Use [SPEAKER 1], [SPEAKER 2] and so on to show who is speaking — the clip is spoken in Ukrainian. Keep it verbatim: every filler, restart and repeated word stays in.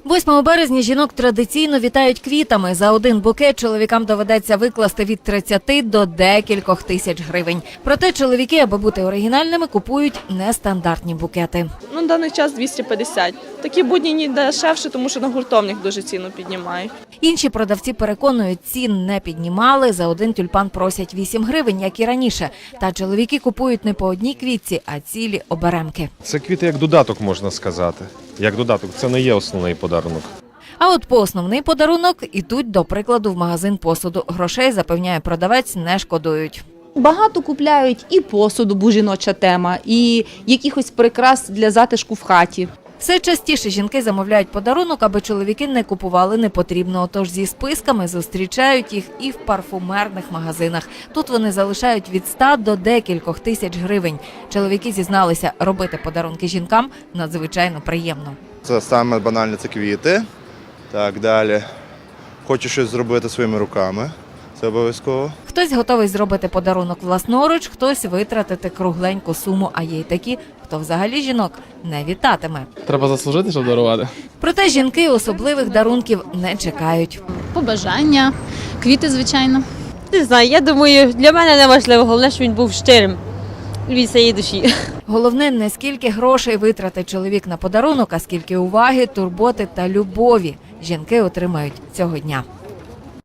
[SPEAKER 1] восьмого березня жінок традиційно вітають квітами. За один букет чоловікам доведеться викласти від тридцяти до декількох тисяч гривень. Проте чоловіки, аби бути оригінальними, купують нестандартні букети.
[SPEAKER 2] Ну, на даний час двісті п'ятдесят. Такі будні не дешевше, тому що на гуртовник дуже ціну піднімають.
[SPEAKER 1] Інші продавці переконують, цін не піднімали. За один тюльпан просять вісім гривень, як і раніше. Та чоловіки купують не по одній квітці, а цілі оберемки.
[SPEAKER 3] Це квіти як додаток, можна сказати. Як додаток, це не є основний подарунок.
[SPEAKER 1] А от по основний подарунок ідуть, до прикладу, в магазин посуду. Грошей, запевняє продавець, не шкодують.
[SPEAKER 4] Багато купляють і посуду, бо жіноча тема, і якихось прикрас для затишку в хаті.
[SPEAKER 1] Все частіше жінки замовляють подарунок, аби чоловіки не купували непотрібного. Тож зі списками зустрічають їх і в парфумерних магазинах. Тут вони залишають від ста до декількох тисяч гривень. Чоловіки зізналися, робити подарунки жінкам надзвичайно приємно.
[SPEAKER 5] Це саме банальне – це квіти. Так, далі. Хочу щось зробити своїми руками. Це обов'язково.
[SPEAKER 1] Хтось готовий зробити подарунок власноруч, хтось витратити кругленьку суму, а є й такі, хто взагалі жінок не вітатиме.
[SPEAKER 6] Треба заслужити, щоб дарувати.
[SPEAKER 1] Проте жінки особливих дарунків не чекають.
[SPEAKER 7] Побажання, квіти, звичайно.
[SPEAKER 8] Не знаю, я думаю, для мене не важливо, головне, щоб він був щирим від своєї душі.
[SPEAKER 1] Головне, не скільки грошей витратить чоловік на подарунок, а скільки уваги, турботи та любові жінки отримають цього дня.